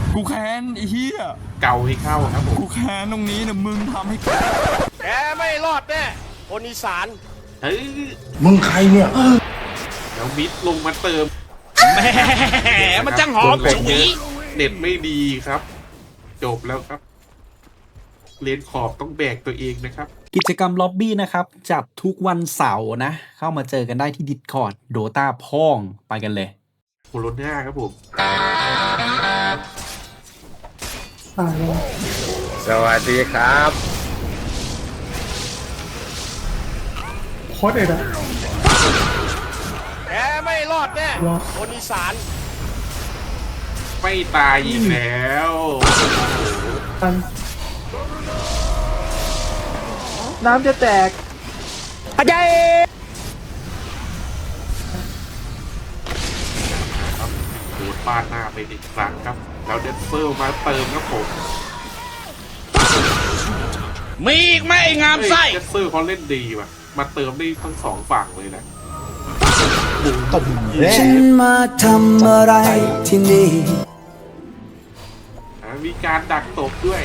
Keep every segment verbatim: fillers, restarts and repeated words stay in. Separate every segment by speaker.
Speaker 1: กูแค้นไอ้เหี้ย
Speaker 2: เก่าให้เข้าครับผม
Speaker 1: กูแค้นตรงนี้เนี่ยมึงทำให้
Speaker 3: แกไม่รอดแน่คนอีสาน
Speaker 2: เฮ้ย
Speaker 4: มึงใครเนี่ย
Speaker 2: แล้วมิดลงมาเติม
Speaker 3: แหมมันจังหอมฉุย
Speaker 2: เน็ตไม่ดีครับ จบแล้วครับเลนขอบต้องแบกตัวเองนะครับ
Speaker 5: กิจกรรมล็อบบี้นะครับจัดทุกวันเสาร์นะเข้ามาเจอกันได้ที่ Discord โดตาพ่องไปกันเลย
Speaker 2: โคโรนาครับผม
Speaker 4: สวัสดีครับ
Speaker 6: โคตรเอ็ดอะ
Speaker 3: แกไม่รอดแน่คนอีสาน
Speaker 2: ไม่ตายอีกแล้ว
Speaker 6: น้ำจะแตกอาจารย์
Speaker 2: ครับโดนปาดหน้าไปอีกครั้งครับแล้วเดนเซอร์มาเติมครับผม
Speaker 3: มีอีกไหมไอ้งามไส้
Speaker 2: เดนเซอร์เขาเล่นดีว่ะมาเติมได้ทั้งสองฝั่งเลยนะ
Speaker 4: ตบ
Speaker 7: ฉันมาทำอะไรที่นี่
Speaker 2: มีการดักตบด้วย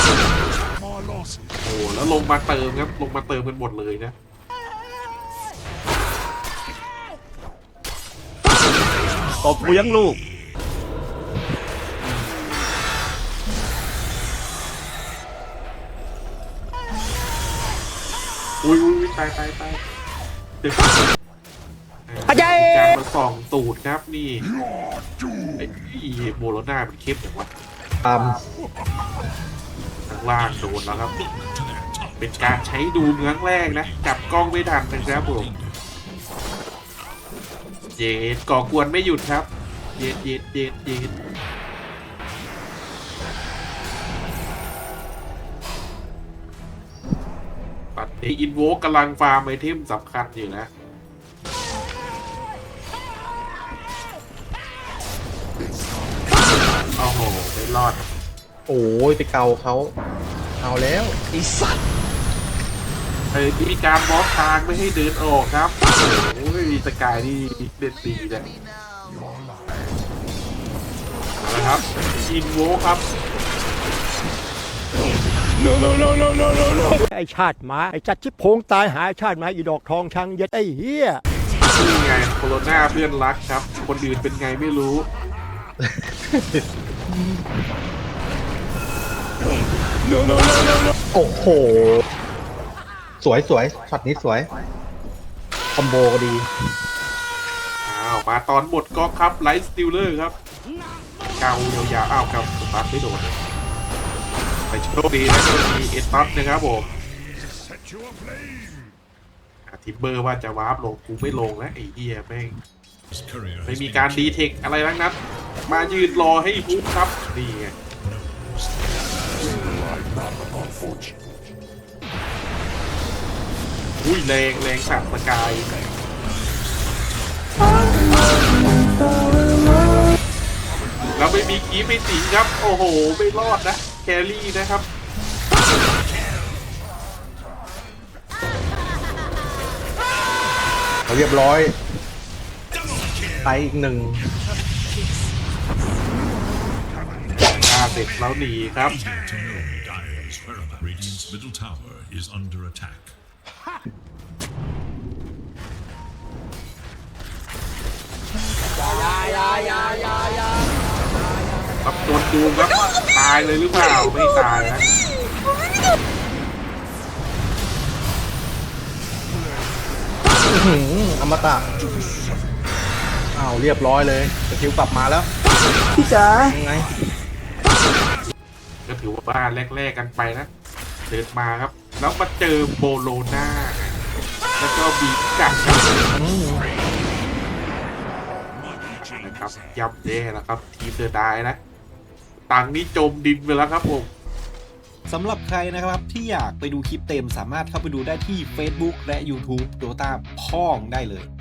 Speaker 2: โอ้แล้วลงมาเติมครับลงมาเติมกันหมดเลยนะ
Speaker 3: ตบกูยังลูก
Speaker 2: อุ้ยอุ้ยตายตายตาย
Speaker 3: อาจารย์
Speaker 2: การมาส่องตูดครับนี่ไอ้โบโลน่ามันเข้มอย่างวะ
Speaker 4: ตาม
Speaker 2: ข้างล่างโดนแล้วครับเป็นการใช้ดูเมืองแรกนะจับกล้องไม่ทันนะครับผมเย็ดก่อกวนไม่หยุดครับเย็ดเย็ดเย็ดเย็ดปัดนี้อินโวกำลังฟาร์มไอเทมสำคัญอยู่นะโอ้โหไม่รอด
Speaker 4: โอ้ยไปเกาเขาเอาแล้ว
Speaker 3: ไอ้สัตว์
Speaker 2: เฮ้ยมีการบล็อกทางไม่ให้เดินออกครับโอ้ยสกายนี่เด็ดดีเลยนะครับอินโวครับ
Speaker 6: no no no no no no no ไอชาติหมาไอจัดชิบโพงตายหายชาติหมาอีดอกทองชังเย็ดไอเฮีย
Speaker 2: นี่ไงโคโรนาเพื่อนรักครับคนอื่นเป็นไงไม่รู้
Speaker 4: โอ้โหสวยสวยช็อตนี้สวยคอมโบก็ดี
Speaker 2: อ้าวมาตอนหมดก็ครับไลท์สติลเลอร์ครับเกายาวๆอ้าวเกาสตาร์ทไม่โดนไปโชคดีนะที่มีเอตัสนะครับผมทิปเบอร์ว่าจะวาร์ปลงกูไม่ลงแล้วไอ้เหี้ยแม่งไม่มีการดีเทคอะไรทั้งนั้นมายืนรอให้ปุ๊บครับนี่ไงอุ้ยแรงแรงสัตว์สกายแล้วไม่มีกีไม่สิงครับโอ้โหไม่รอดนะแครี่นะครับ
Speaker 4: เรียบร้อยไปอีกหนึ่ง
Speaker 2: ฆ่าเสร็จแล้วหนีครับครับโดนดูครับตายเลยหรือเปล่าไม่ตายนะ
Speaker 4: อมตะอ้าวเรียบร้อยเลยสกิลกลับมาแล้ว
Speaker 6: พี่จ๋า
Speaker 4: ยังไง
Speaker 2: ก็ถือว่าบ้านแรกๆกันไปนะเดินมาครับแล้วมาเจอโบโลน่าแล้วก็บีกัดนะครับยับเย่แล้วครับทีมเดอะไดนะตังนี้จมดินไปแล้วครับผม
Speaker 5: สำหรับใครนะครับที่อยากไปดูคลิปเต็มสามารถเข้าไปดูได้ที่ Facebook และ YouTube โดตาพ่องได้เลย